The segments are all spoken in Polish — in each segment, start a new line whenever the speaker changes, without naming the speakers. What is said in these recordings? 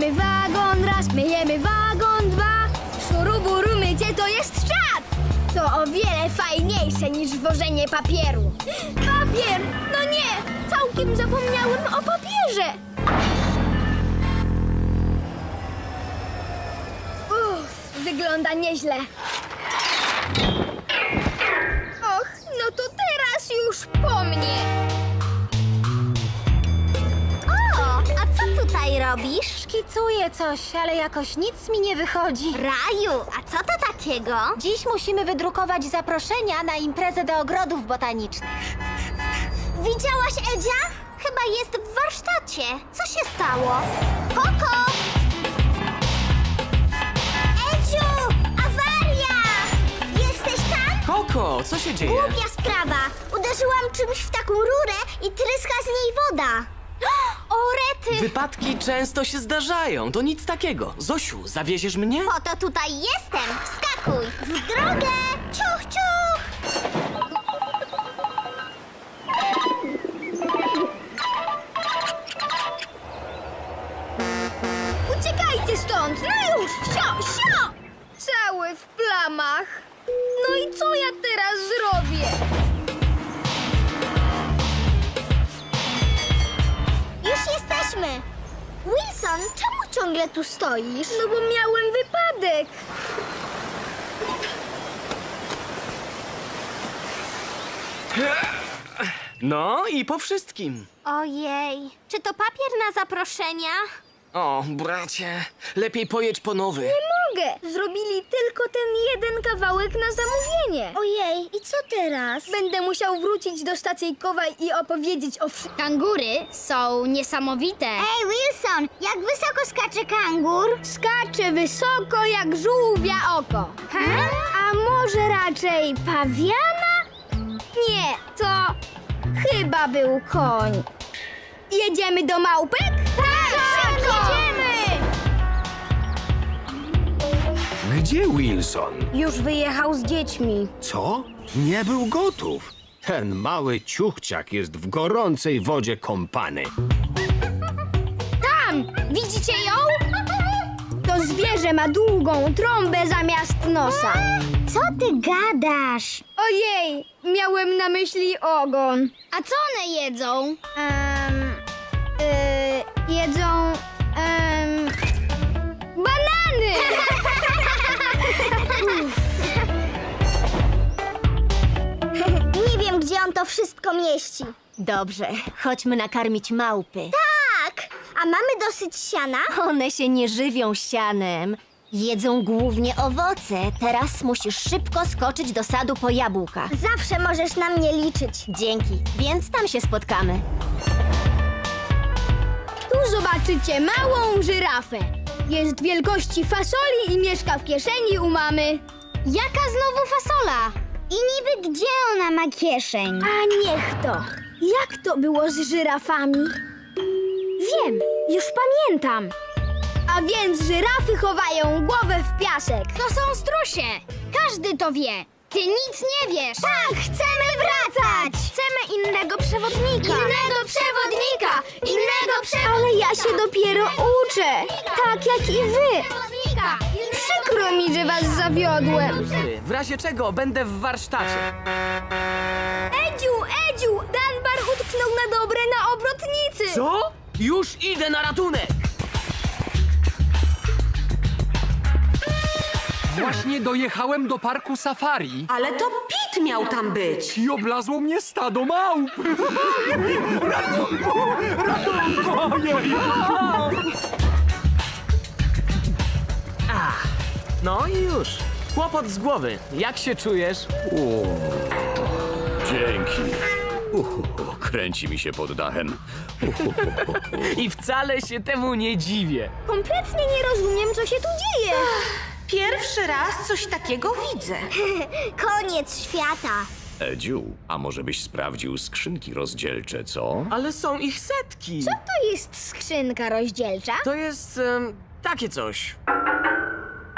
Myjemy wagon raz, myjemy wagon dwa. Szuruburu mycie to jest czad. To o wiele fajniejsze niż wożenie papieru. Papier! No nie! Całkiem zapomniałem o papierze. Wygląda nieźle. Och, no to teraz już po mnie.
O, a co tutaj robisz?
Szkicuję coś, ale jakoś nic mi nie wychodzi.
Raju, a co to takiego?
Dziś musimy wydrukować zaproszenia na imprezę do ogrodów botanicznych.
Widziałaś Edzia? Chyba jest w warsztacie. Co się stało? Koko! Edziu! Awaria! Jesteś tam?
Koko, co się dzieje?
Głupia sprawa. Uderzyłam czymś w taką rurę i tryska z niej woda. O, rety!
Wypadki często się zdarzają, to nic takiego. Zosiu, zawieziesz mnie?
Po to tutaj jestem. Wskakuj! W drogę! Ciuch, ciuch!
Uciekajcie stąd! No już! Sio, sio! Cały w plamach. No i co ja teraz zrobię?
Już jesteśmy. Wilson, czemu ciągle tu stoisz?
No bo miałem wypadek.
No i po wszystkim.
Ojej, czy to papier na zaproszenia?
O, bracie, lepiej pojedź po nowy.
Mogę! Zrobili tylko ten jeden kawałek na zamówienie.
Ojej, i co teraz?
Będę musiał wrócić do stacyjkowa i opowiedzieć o Kangury są niesamowite.
Ej, Wilson, jak wysoko skacze kangur?
Skacze wysoko jak żółwia oko. A może raczej pawiana? Nie, to chyba był koń. Jedziemy do małpek? Tak, jedziemy!
Gdzie Wilson?
Już wyjechał z dziećmi.
Co? Nie był gotów. Ten mały ciuchciak jest w gorącej wodzie kąpany.
Tam! Widzicie ją? To zwierzę ma długą trąbę zamiast nosa.
Co ty gadasz?
Ojej, miałem na myśli ogon. A co one jedzą? Jedzą... banany!
Nie wiem, gdzie on to wszystko mieści.
Dobrze, chodźmy nakarmić małpy.
Tak, a mamy dosyć siana?
One się nie żywią sianem. Jedzą głównie owoce. Teraz musisz szybko skoczyć do sadu po jabłka.
Zawsze możesz na mnie liczyć.
Dzięki, więc tam się spotkamy.
Tu zobaczycie małą żyrafę. Jest wielkości fasoli i mieszka w kieszeni u mamy.
Jaka znowu fasola? I niby gdzie ona ma kieszeń?
A niech to. Jak to było z żyrafami? Wiem, już pamiętam. A więc żyrafy chowają głowę w piasek. To są strusie. Każdy to wie. Ty nic nie wiesz.
Tak, chcemy wracać!
Chcemy innego przewodnika.
Innego przewodnika! Innego
Ale ja się dopiero uczę. Tak jak i wy.
przewodnika!
Przykro mi, że was zawiodłem.
W razie czego będę w warsztacie.
Edziu, Danbar utknął na dobre na obrotnicy.
Co? Już idę na ratunek!
Właśnie dojechałem do parku safari
Ale to Pit miał tam być.
i oblazło mnie stado małp. Ratunku! Ratunku! Ojej!
No i już. Kłopot z głowy. Jak się czujesz?
Dzięki. Kręci mi się pod dachem.
I wcale się temu nie dziwię.
Kompletnie nie rozumiem, co się tu dzieje.
Pierwszy raz coś takiego widzę.
Koniec świata.
Edziu, a może byś sprawdził skrzynki rozdzielcze, co?
Ale są ich setki.
Co to jest skrzynka rozdzielcza?
To jest takie coś.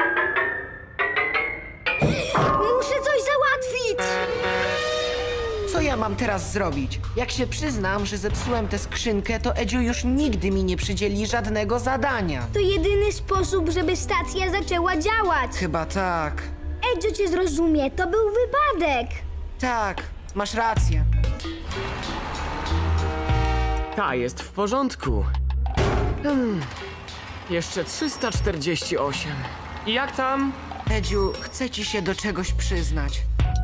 Muszę coś załatwić.
Co ja mam teraz zrobić? Jak się przyznam, że zepsułem tę skrzynkę, to Edziu już nigdy mi nie przydzieli żadnego zadania.
To jedyny sposób, żeby stacja zaczęła działać.
Chyba tak.
Edzio cię zrozumie, to był wypadek.
Tak, masz rację.
Ta jest w porządku. Jeszcze 348. I jak tam?
Edziu, chcę ci się do czegoś przyznać.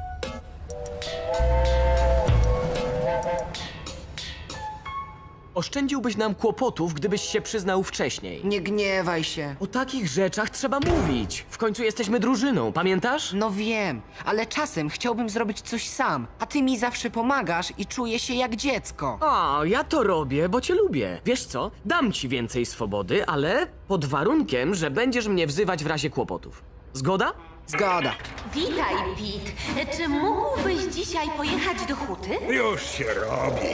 Oszczędziłbyś nam kłopotów, gdybyś się przyznał wcześniej.
Nie gniewaj się.
O takich rzeczach trzeba mówić. W końcu jesteśmy drużyną, pamiętasz?
No wiem, ale czasem chciałbym zrobić coś sam, a ty mi zawsze pomagasz i czuję się jak dziecko.
O, ja to robię, bo cię lubię. Wiesz co? Dam ci więcej swobody, ale pod warunkiem, że będziesz mnie wzywać w razie kłopotów. Zgoda?
Zgoda.
Witaj, Pete. Czy mógłbyś dzisiaj pojechać do huty?
Już się robi.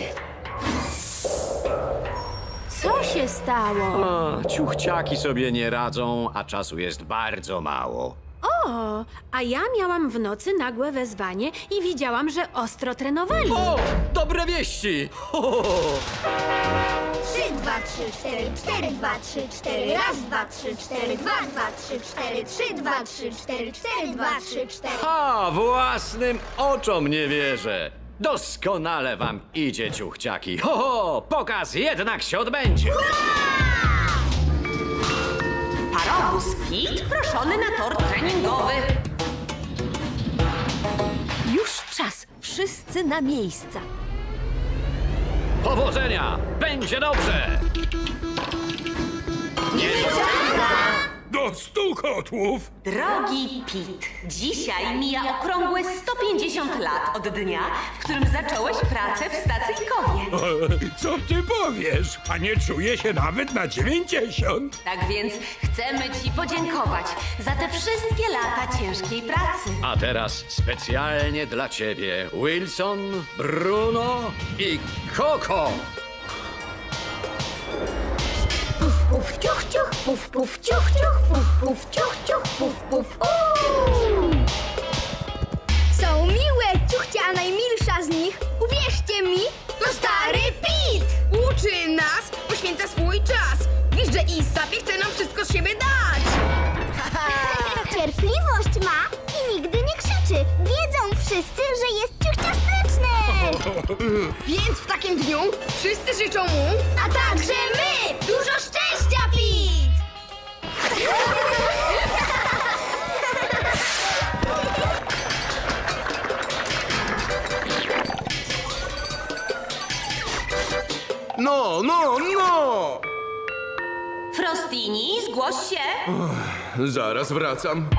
Co się stało?
O, ciuchciaki sobie nie radzą, a czasu jest bardzo mało.
O, a ja miałam w nocy nagłe wezwanie i widziałam, że ostro trenowali.
O, dobre wieści! Ho, ho, ho.
3, 2, 3, 4, 4, 2, 3, 4, raz, 2, 3, 4, 2, 2, 3, 4, 3, 2, 3, 4, 4, 2, 3, 4.
Ha, własnym oczom nie wierzę. Doskonale wam idzie, ciuchciaki. Ho, ho, pokaz jednak się odbędzie.
Parowóz Pete proszony na tor treningowy.
Już czas. Wszyscy na miejsca.
Powodzenia! Będzie dobrze!
Do 100 kotłów.
Drogi Pete, dzisiaj mija okrągłe 150 lat od dnia, w którym zacząłeś pracę w stacyjkowie.
Co ty powiesz? A nie czuję się nawet na 90.
Tak więc chcemy ci podziękować za te wszystkie lata ciężkiej pracy.
A teraz specjalnie dla ciebie Wilson, Bruno i Coco.
Puf, ciuch, ciuch, puf, puf, ciuch, ciuch, puf, ciuch, ciuch, puf. Są miłe ciuchcie, a najmilsza z nich, uwierzcie mi, to stary Pete!
Uczy nas, poświęca swój czas. Wiesz, że Isabie chce nam wszystko z siebie dać.
Cierpliwość ma i nigdy nie krzyczy. Wiedzą wszyscy, że jest ciuchciastyczny.
Więc w takim dniu wszyscy życzą mu...
A także my! Dużo szczęścia, Pete!
No!
Frostini, zgłoś się.
Zaraz wracam.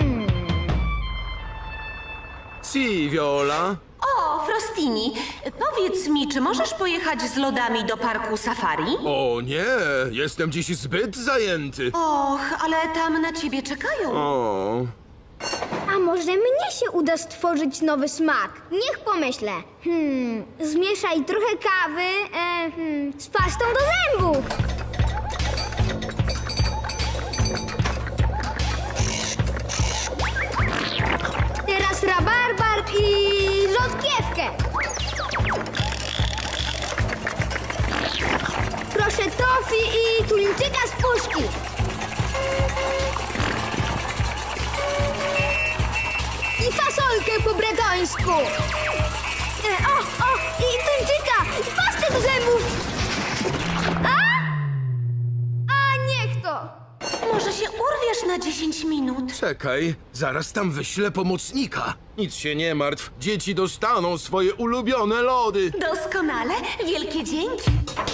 Si, Viola.
O, Frostini, powiedz mi, czy możesz pojechać z lodami do parku safari?
O nie, jestem dziś zbyt zajęty.
Och, ale tam na ciebie czekają.
O,
A może mnie się uda stworzyć nowy smak? Niech pomyślę. Zmieszaj trochę kawy z pastą do zębów. Teraz rabarbar i rzodkiewkę. Proszę tofi i tuńczyka z puszki. I fasolkę po bretońsku. I tuńczyka, i pastę do zębów. A niech to.
Może się urwiesz na 10 minut?
czekaj, zaraz tam wyślę pomocnika. Nic się nie martw, dzieci dostaną swoje ulubione lody.
Doskonale, wielkie dzięki.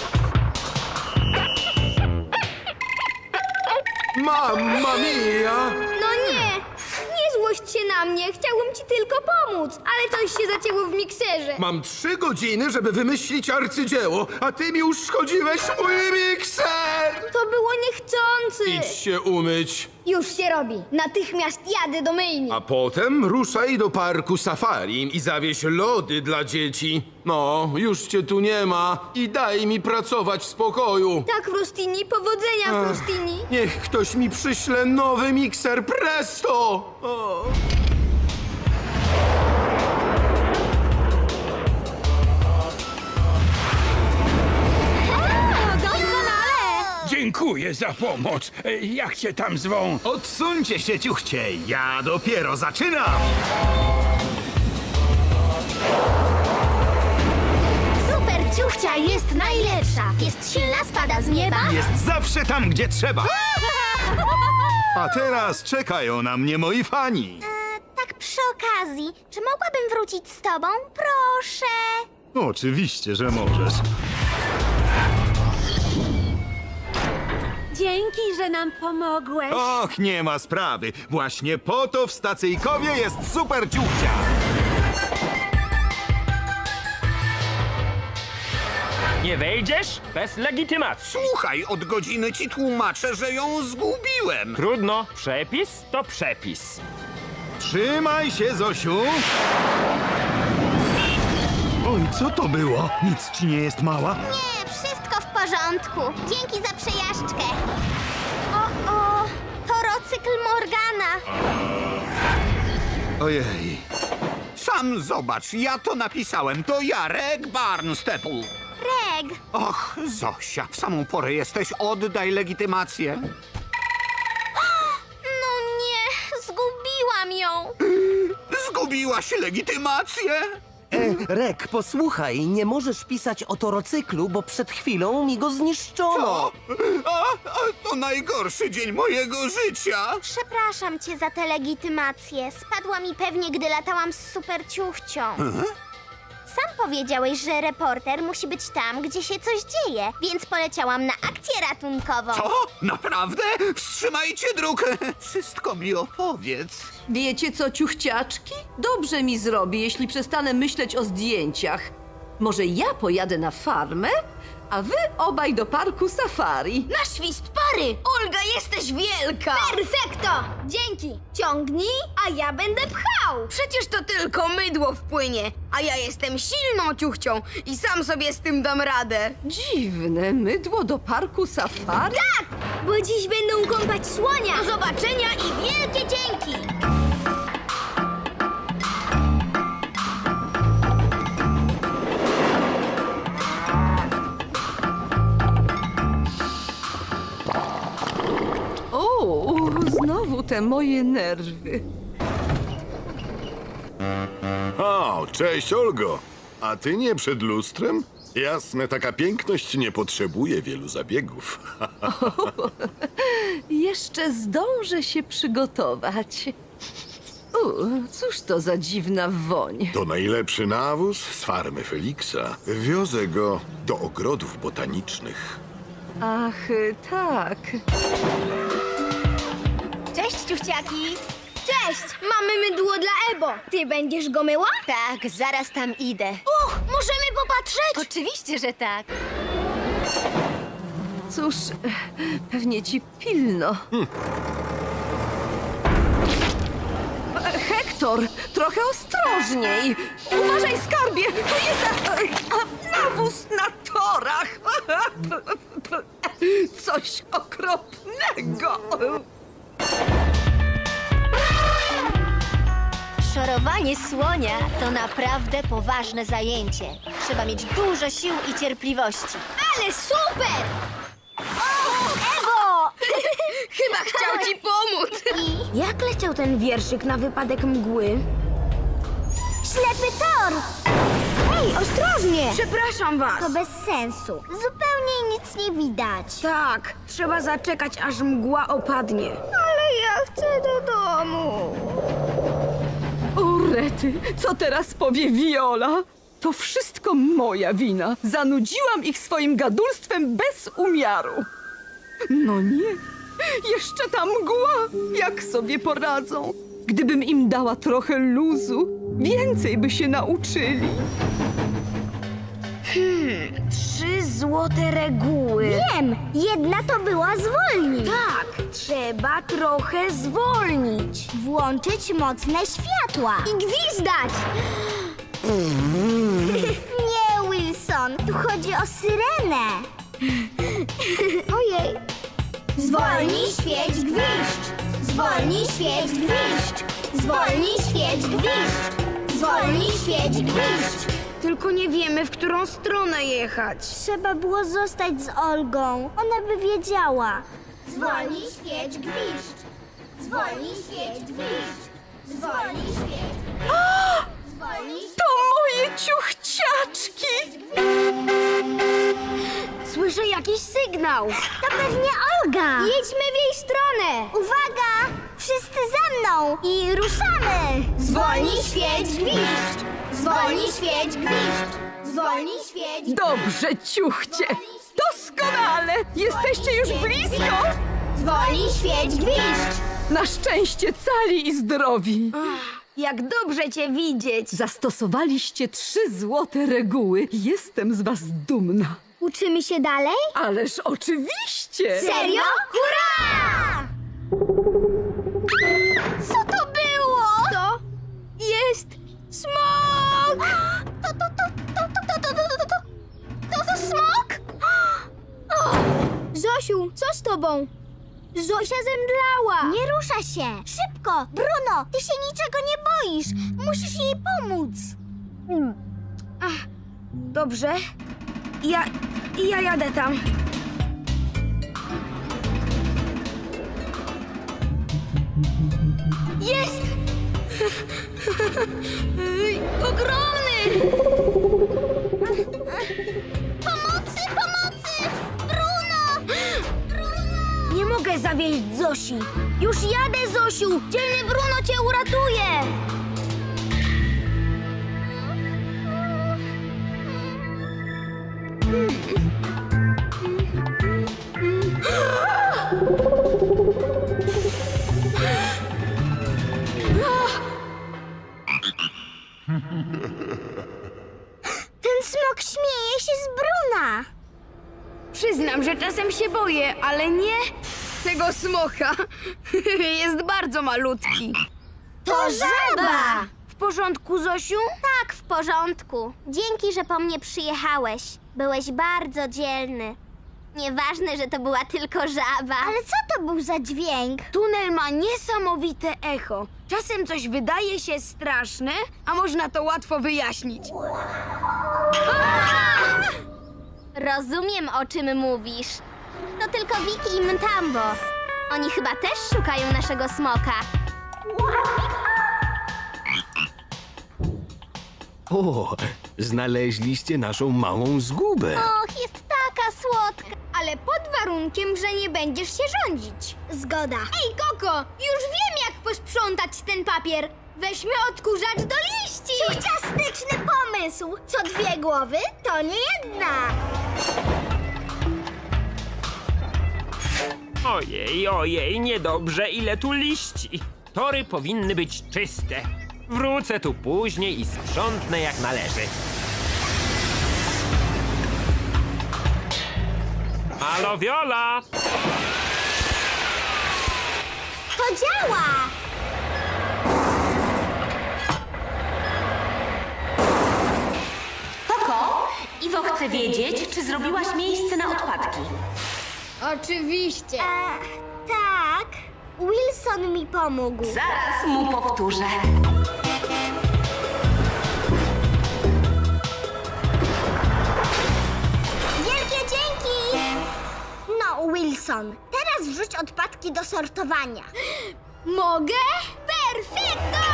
Mamma mia!
No nie złość się na mnie, chciałbym ci tylko pomóc, ale coś się zacięło w mikserze.
Mam 3 godziny, żeby wymyślić arcydzieło, a ty mi uszkodziłeś mój mikser!
To było niechcący.
Idź się umyć,
Już się robi, natychmiast jadę do myjni.
a potem ruszaj do parku safari i zawieź lody dla dzieci. No, już cię tu nie ma i daj mi pracować w spokoju.
Tak, Frostini, powodzenia, Frostini.
Niech ktoś mi przyśle nowy mikser, presto! O.
za pomoc. Jak cię tam zwą?
Odsuńcie się, ciuchcie! Ja dopiero zaczynam!
Super ciuchcia jest najlepsza. Jest silna, spada z nieba.
Jest zawsze tam, gdzie trzeba! A teraz czekają na mnie moi fani.
Tak przy okazji, czy mogłabym wrócić z tobą? Proszę.
Oczywiście, że możesz.
Dzięki, że nam pomogłeś.
Och, nie ma sprawy. Właśnie po to w stacyjkowie jest super ciuchcia.
Nie wejdziesz bez legitymacji.
Słuchaj, od godziny ci tłumaczę, że ją zgubiłem.
Trudno, przepis to przepis.
Trzymaj się, Zosiu. Oj, co to było? Nic ci nie jest mała?
Nie, wszystko w porządku. Dzięki za przejażdżkę. O, torocykl Morgana.
Ojej.
Sam zobacz, ja to napisałem. To ja, Reg Barnstaple.
Reg,
Och, Zosia, w samą porę jesteś. Oddaj legitymację.
no nie, zgubiłam ją.
Zgubiłaś legitymację?
Rek, posłuchaj, nie możesz pisać o torocyklu, bo przed chwilą mi go zniszczono.
O, to najgorszy dzień mojego życia.
Przepraszam cię za tę legitymację. Spadła mi pewnie, gdy latałam z super ciuchcią. Sam powiedziałeś, że reporter musi być tam, gdzie się coś dzieje, więc poleciałam na akcję ratunkową.
Co? Naprawdę? Wstrzymajcie druk. Wszystko mi opowiedz.
Wiecie co, ciuchciaczki? Dobrze mi zrobi, jeśli przestanę myśleć o zdjęciach. Może ja pojadę na farmę, a wy obaj do parku safari.
Na świst pary! Olga, jesteś wielka! Perfekto! Dzięki! Ciągnij, a ja będę pchał! Przecież to tylko mydło wpłynie, a ja jestem silną ciuchcią i sam sobie z tym dam radę.
Dziwne, mydło do parku safari?
Tak! Bo dziś będą kąpać słonia! Do zobaczenia i wielkie dzięki!
O, znowu te moje nerwy.
O, cześć Olgo. A ty nie przed lustrem? Jasne, taka piękność nie potrzebuje wielu zabiegów.
Jeszcze zdążę się przygotować. Cóż to za dziwna woń.
To najlepszy nawóz z farmy Feliksa. Wiozę go do ogrodów botanicznych.
Ach, tak.
Cześć, ciuchciaki! Cześć! Mamy mydło dla Ebo. Ty będziesz go myła?
Tak, zaraz tam idę.
Możemy popatrzeć?
Oczywiście, że tak.
Cóż, pewnie ci pilno. Hektor, trochę ostrożniej. Uważaj, skarbie, to jest nawóz na torach. Coś okropnego.
Szorowanie słonia to naprawdę poważne zajęcie. Trzeba mieć dużo sił i cierpliwości.
Ale super! O, Ebo! Chyba chciał ci pomóc. Jak leciał ten wierszyk na wypadek mgły?
Ślepy tor!
Ej, ostrożnie! Przepraszam was.
To bez sensu. Zupełnie nic nie widać.
Tak, trzeba zaczekać, aż mgła opadnie. Ale ja chcę do domu.
O, rety, co teraz powie Viola? To wszystko moja wina. Zanudziłam ich swoim gadulstwem bez umiaru. No nie, jeszcze ta mgła. Jak sobie poradzą? Gdybym im dała trochę luzu, więcej by się nauczyli.
3 złote reguły.
Wiem, jedna to była zwolnić.
Tak, trzeba trochę zwolnić.
Włączyć mocne światła.
I gwizdać.
Nie, Wilson, tu chodzi o syrenę.
Ojej.
Zwolnij, świeć, gwizdź. Zwolnij, świeć, gwizdź. Zwolnij, świeć, gwizdź. Zwolnij, świeć, gwizdź.
Tylko nie wiemy, w którą stronę jechać.
Trzeba było zostać z Olgą. Ona by wiedziała. Zwolnij, świeć, gwiżdż. Zwolnij, świeć, gwiżdż. Zwolnij, świeć. Zwolnij,
To moje ciuchciaczki!
Słyszę jakiś sygnał.
To pewnie Olga.
Jedźmy w jej stronę.
Uwaga! Wszyscy ze mną! I ruszamy!
Zwolnij, świeć, gwiżdż. Zwolnij, świeć, gwiżdż. Zwolnij, świeć.
Dobrze, ciuchcie! Doskonale! Jesteście już blisko!
Zwolnij, świeć, gwiżdż.
Na szczęście cali i zdrowi!
Jak dobrze cię widzieć.
Zastosowaliście 3 złote reguły. Jestem z was dumna.
Uczymy się dalej?
Ależ oczywiście!
Serio? Hurra!
Co to było?
To jest smok!
To smok?
Zosiu, co z tobą? Zosia zemdlała.
Nie rusza się! Szybko! Bruno, ty się niczego nie boisz! Musisz jej pomóc!
Dobrze. Ja jadę tam. Jest! Ogromny!
Pomocy! Pomocy! Bruno!
Nie mogę zawieźć Zosi. Już jadę, Zosiu! Dzielny Bruno cię uratuje!
Ten smok śmieje się z Bruna!
Przyznam, że czasem się boję, ale nie tego smoka. Jest bardzo malutki.
To żaba!
W porządku, Zosiu?
Tak, w porządku. Dzięki, że po mnie przyjechałeś. Byłeś bardzo dzielny. Nieważne, że to była tylko żaba. Ale co to był za dźwięk?
Tunel ma niesamowite echo. Czasem coś wydaje się straszne, a można to łatwo wyjaśnić.
Rozumiem, o czym mówisz. To tylko Wiki i Mtambo. Oni chyba też szukają naszego smoka.
O, znaleźliście naszą małą zgubę.
Och, jest taka słodka.
Ale pod warunkiem, że nie będziesz się rządzić.
Zgoda.
Ej, Koko, już wiem, jak posprzątać ten papier. Weźmy odkurzacz do liści.
Ciuchciastyczny pomysł. Co 2 głowy, to nie jedna.
Ojej, niedobrze, ile tu liści. Tory powinny być czyste. Wrócę tu później i sprzątnę jak należy. Halo, Viola!
To działa.
Koko, Iwo chce wiedzieć, czy zrobiłaś miejsce na odpadki.
Oczywiście.
Tak. Wilson mi pomógł.
Zaraz mu powtórzę.
Wielkie dzięki! No, Wilson, teraz wrzuć odpadki do sortowania.
Mogę? Perfekto!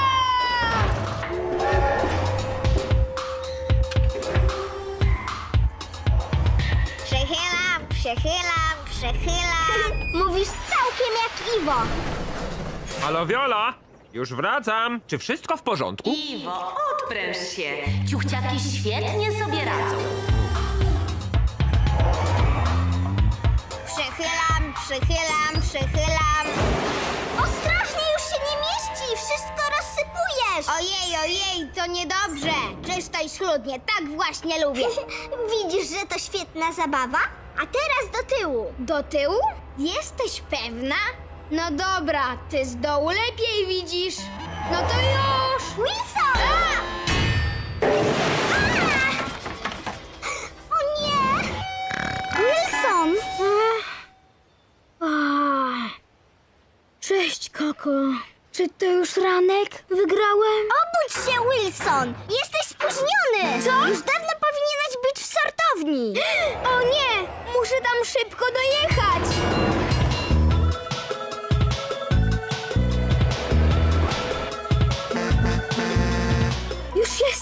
Przechylam. Mówisz całkiem jak Iwo.
Halo, Viola! Już wracam. Czy wszystko w porządku?
Iwo, odpręż się. Ciuchciaki świetnie sobie radzą.
Przechylam. Ostrożnie, już się nie mieści. Wszystko rozsypujesz.
Ojej, to niedobrze. Czysto i schludnie, tak właśnie lubię.
Widzisz, że to świetna zabawa? A teraz do tyłu.
Do tyłu? Jesteś pewna? No dobra, ty z dołu lepiej widzisz. No to już!
Wilson! O nie! Wilson!
Cześć, Koko. Czy to już ranek? Wygrałem?
Obudź się, Wilson! Jesteś spóźniony!
Co?
Już dawno powinieneś być w sortowni.
O nie! Muszę tam szybko dojechać!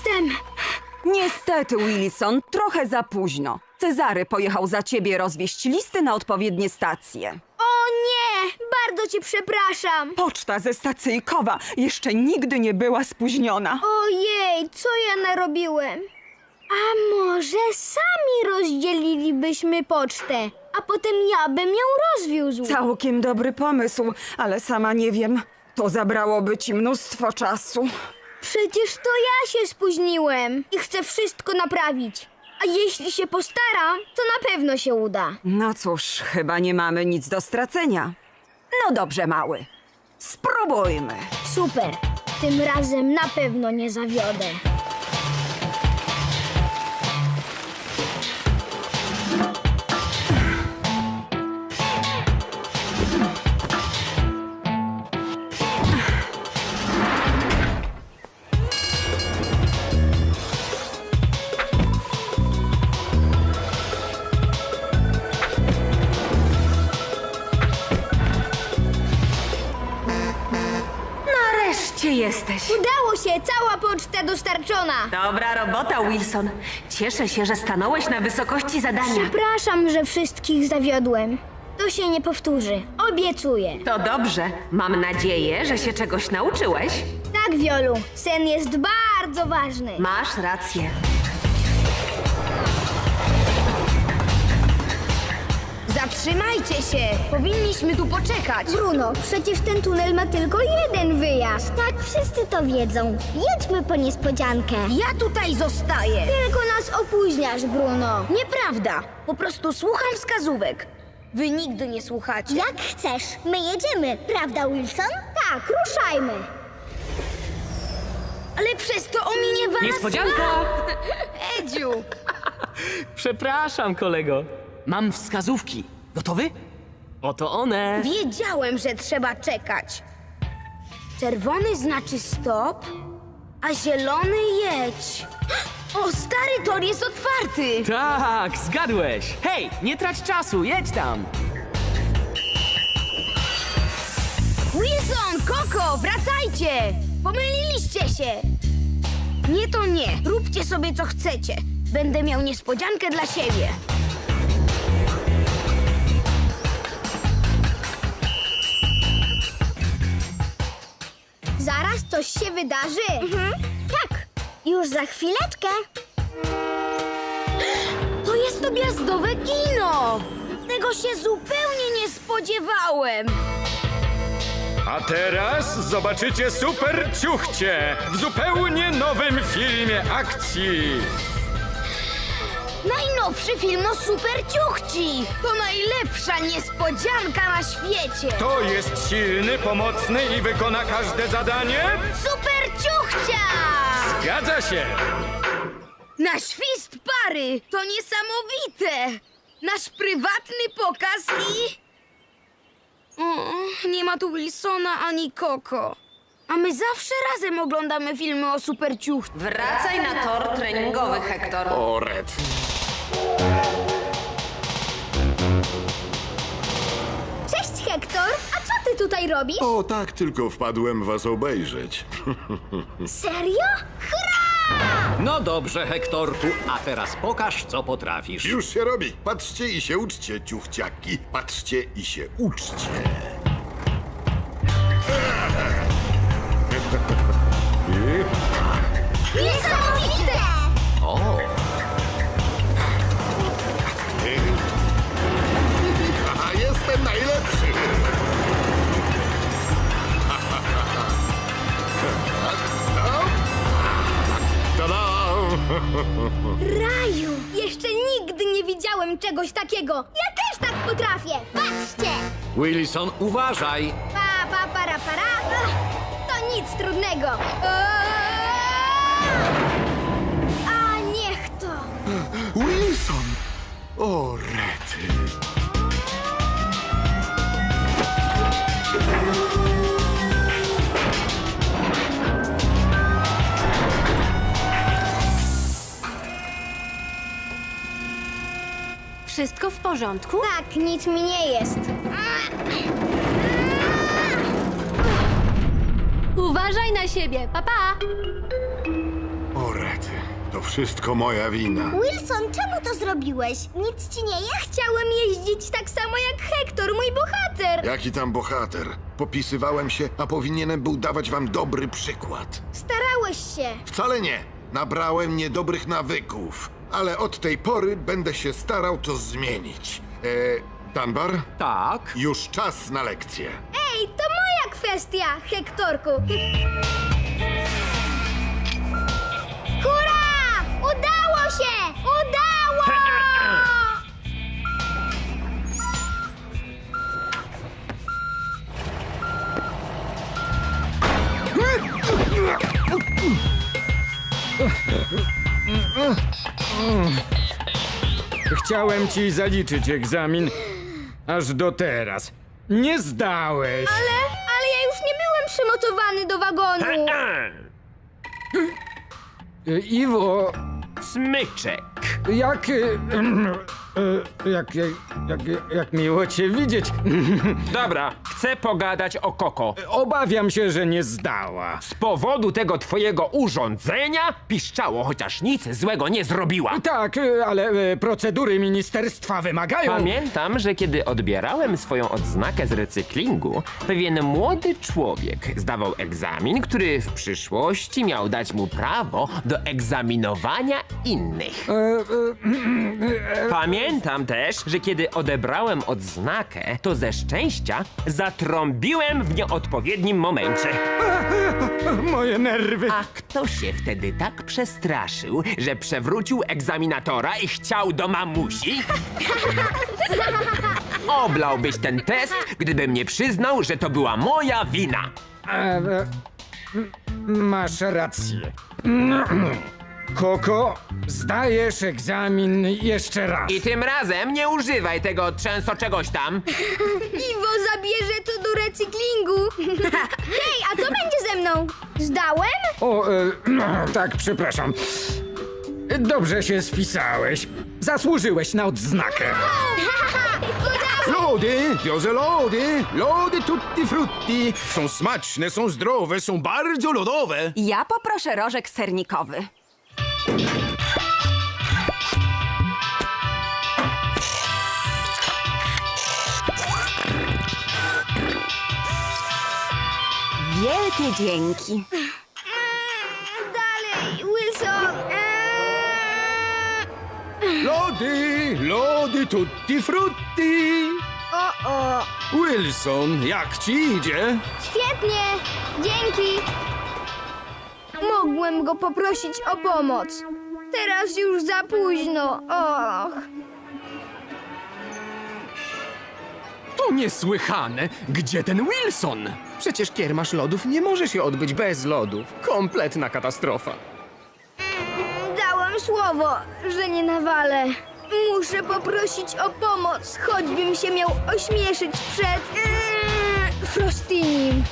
Jestem!
Niestety, Wilson, trochę za późno. Cezary pojechał za ciebie rozwieźć listy na odpowiednie stacje.
O nie! Bardzo cię przepraszam!
Poczta ze stacyjkowa jeszcze nigdy nie była spóźniona.
Ojej, co ja narobiłem? A może sami rozdzielilibyśmy pocztę, a potem ja bym ją rozwiózł?
Całkiem dobry pomysł, ale sama nie wiem. To zabrałoby ci mnóstwo czasu.
Przecież to ja się spóźniłem i chcę wszystko naprawić. A jeśli się postaram, to na pewno się uda.
No cóż, chyba nie mamy nic do stracenia. No dobrze, mały. Spróbujmy.
Super. Tym razem na pewno nie zawiodę.
Nareszcie jesteś.
Udało się, cała poczta dostarczona.
Dobra robota, Wilson. Cieszę się, że stanąłeś na wysokości zadania.
Przepraszam, że wszystkich zawiodłem. To się nie powtórzy. Obiecuję.
To dobrze. Mam nadzieję, że się czegoś nauczyłeś.
Tak, Wiolu, sen jest bardzo ważny.
Masz rację.
Zatrzymajcie się! Powinniśmy tu poczekać. Bruno, przecież ten tunel ma tylko jeden wyjazd.
Tak, wszyscy to wiedzą. Jedźmy po niespodziankę.
Ja tutaj zostaję. Tylko nas opóźniasz, Bruno. Nieprawda. Po prostu słucham wskazówek. Wy nigdy nie słuchacie.
Jak chcesz. My jedziemy, prawda, Wilson?
Tak, ruszajmy. Ale przez to ominie was...
Niespodzianka!
Edziu!
Przepraszam, kolego. Mam wskazówki. Gotowy? Oto one.
Wiedziałem, że trzeba czekać. Czerwony znaczy stop, a zielony jedź. O, stary tor jest otwarty!
Tak, zgadłeś. Hej, nie trać czasu, jedź tam.
Wilson, Koko, wracajcie! Pomyliliście się! Nie to nie. Róbcie sobie co chcecie. Będę miał niespodziankę dla siebie. Zaraz coś się wydarzy.
Tak, już za chwileczkę.
To jest to gwiazdowe kino! Tego się zupełnie nie spodziewałem.
A teraz zobaczycie super ciuchcie w zupełnie nowym filmie akcji.
Najnowszy film o super ciuchci! To najlepsza niespodzianka na świecie!
To jest silny, pomocny i wykona każde zadanie?
Super ciuchcia!
Zgadza się!
Na świst pary! To niesamowite! Nasz prywatny pokaz i... O, nie ma tu Wilsona ani Koko. A my zawsze razem oglądamy filmy o super ciuchci.
Wracaj na tor treningowy, Hektor.
O, Red.
Cześć, Hektor! A co ty tutaj robisz?
O, tak, tylko wpadłem was obejrzeć.
Serio? Hurra!
No dobrze, Hektorku, a teraz pokaż, co potrafisz.
Już się robi. Patrzcie i się uczcie, ciuchciaki. Patrzcie i się uczcie.
Niesamowite!
O,
Aha, jestem najlepszy. Tada!
Raju! Jeszcze nigdy nie widziałem czegoś takiego! Ja też tak potrafię!
Patrzcie!
Wilson, uważaj!
Pa, pa, para, para! Ach, to nic trudnego! A niech to!
Wilson! O, rety.
Wszystko w porządku?
Tak, nic mi nie jest.
Uważaj na siebie, papa!
O, rety. To wszystko moja wina.
Wilson, czemu to zrobiłeś? Nic ci nie jest?
Chciałem jeździć tak samo jak Hektor, mój bohater.
Jaki tam bohater? Popisywałem się, a powinienem był dawać wam dobry przykład.
Starałeś się.
Wcale nie. Nabrałem niedobrych nawyków. Ale od tej pory będę się starał to zmienić. Dunbar?
Tak?
Już czas na lekcję.
Ej, to moja kwestia, Hektorku. Hurra! Udało się! Udało!
Chciałem ci zaliczyć egzamin, aż do teraz. Nie zdałeś.
Ale ja już nie byłem przymocowany do wagonu.
Iwo,
Smyczek.
jak miło cię widzieć.
Dobra, chcę pogadać o Koko.
Obawiam się, że nie zdała.
Z powodu tego twojego urządzenia piszczało, chociaż nic złego nie zrobiła.
Tak, ale procedury ministerstwa wymagają.
Pamiętam, że kiedy odbierałem swoją odznakę z recyklingu, pewien młody człowiek zdawał egzamin, który w przyszłości miał dać mu prawo do egzaminowania innych. Pamiętam też, że kiedy odebrałem odznakę, to ze szczęścia zatrąbiłem w nieodpowiednim momencie.
Moje nerwy.
A kto się wtedy tak przestraszył, że przewrócił egzaminatora i chciał do mamusi? Oblałbyś ten test, gdybym nie przyznał, że to była moja wina.
Masz rację. Koko, zdajesz egzamin jeszcze raz.
I tym razem nie używaj tego trzęso czegoś tam.
Iwo zabierze to do recyklingu. Hej, a co będzie ze mną? Zdałem?
O, tak, przepraszam. Dobrze się spisałeś. Zasłużyłeś na odznakę.
Lody, wiozę lody, lody tutti frutti. Są smaczne, są zdrowe, są bardzo lodowe.
Ja poproszę rożek sernikowy. Wielkie dzięki.
Dalej, Wilson.
Lody, lody tutti frutti.
O.
Wilson, jak ci idzie?
Świetnie. Dzięki. Mogłem go poprosić o pomoc. Teraz już za późno. Och.
To niesłychane! Gdzie ten Wilson? Przecież kiermasz lodów nie może się odbyć bez lodów. Kompletna katastrofa.
Dałem słowo, że nie nawalę. Muszę poprosić o pomoc, choćbym się miał ośmieszyć przed Frostynim.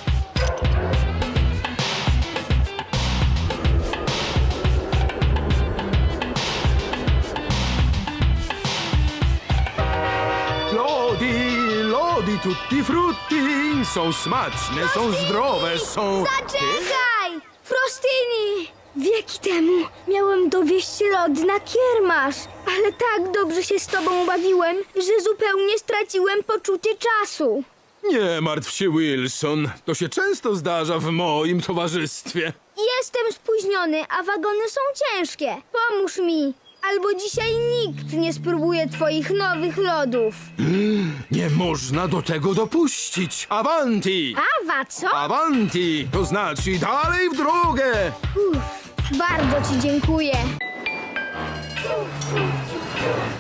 Lody, lody tutti frutti. Są smaczne, są zdrowe, są...
Zaczekaj! Frostyni! Wieki temu miałem dowieść lody na kiermasz, ale tak dobrze się z tobą bawiłem, że zupełnie straciłem poczucie czasu.
Nie martw się, Wilson. To się często zdarza w moim towarzystwie.
Jestem spóźniony, a wagony są ciężkie. Pomóż mi, albo dzisiaj nikt nie spróbuje twoich nowych lodów.
Nie można do tego dopuścić. Avanti!
Awa, co?
Avanti! To znaczy dalej w drogę!
Bardzo ci dziękuję.